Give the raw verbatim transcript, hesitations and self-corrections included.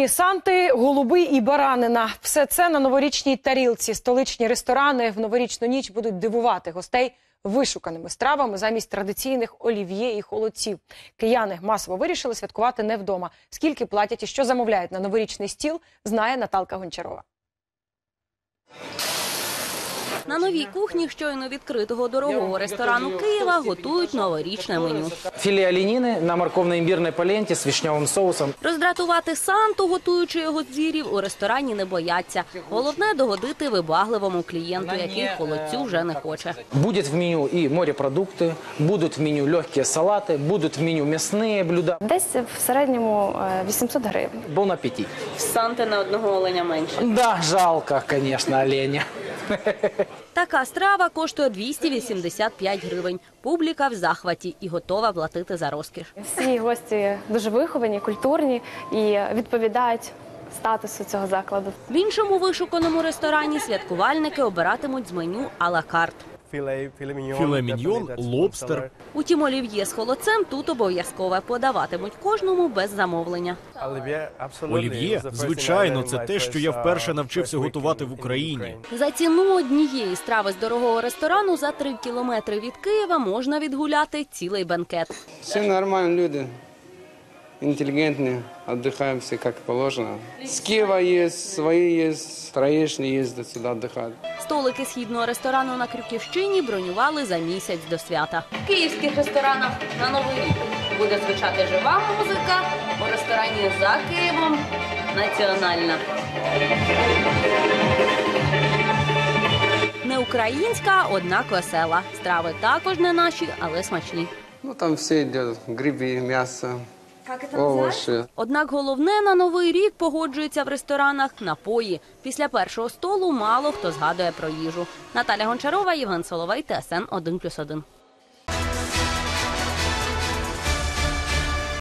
Сніжні санти, голуби і баранина – все це на новорічній тарілці. Столичні ресторани в новорічну ніч будуть дивувати гостей вишуканими стравами замість традиційних олів'є і холодців. Кияни масово вирішили святкувати не вдома. Скільки платять і що замовляють на новорічний стіл, знає Наталка Гончарова. На новій кухні щойно відкритого дорогого ресторану Києва готують новорічне меню. Філе оленини на морковно-імбірній поленті з вишневим соусом. Роздратувати Санту, готуючи його з звірів, у ресторані не бояться. Головне – догодити вибагливому клієнту, який холодцю вже не хоче. Будуть в меню і морепродукти, будуть в меню легкі салати, будуть в меню м'ясні блюда. Десь в середньому вісімсот гривень. Бон апетит. В Санти на одного оленя менше. Да, жалко, звісно, оленя. Така страва коштує двісті вісімдесят п'ять гривень. Публіка в захваті і готова платити за розкіш. Всі гості дуже виховані, культурні і відповідають статусу цього закладу. В іншому вишуканому ресторані святкувальники обиратимуть з меню а-ла карт. Філе міньйон, лобстер. Утім, олів'є з холодцем тут обов'язкове. Подаватимуть кожному без замовлення. Олів'є, звичайно, це те, що я вперше навчився готувати в Україні. За ціну однієї страви з дорогого ресторану за три кілометри від Києва можна відгуляти цілий бенкет. Всі нормальні люди, інтелігентні, відпочиваємо всі, як положено. З Києва є, свої є, троєчні їздять сюди відпочивати. Столики східного ресторану на Крюківщині бронювали за місяць до свята. В київських ресторанах на Новий рік буде звучати жива музика, у ресторані за Києвом – національна. Не українська, однак весела. Страви також не наші, але смачні. Ну там все йде, гриби, м'ясо, овочі. Однак головне на Новий рік, погоджується в ресторанах, напої. Після першого столу мало хто згадує про їжу. Наталя Гончарова, Євген Соловей, Т С Н один плюс один.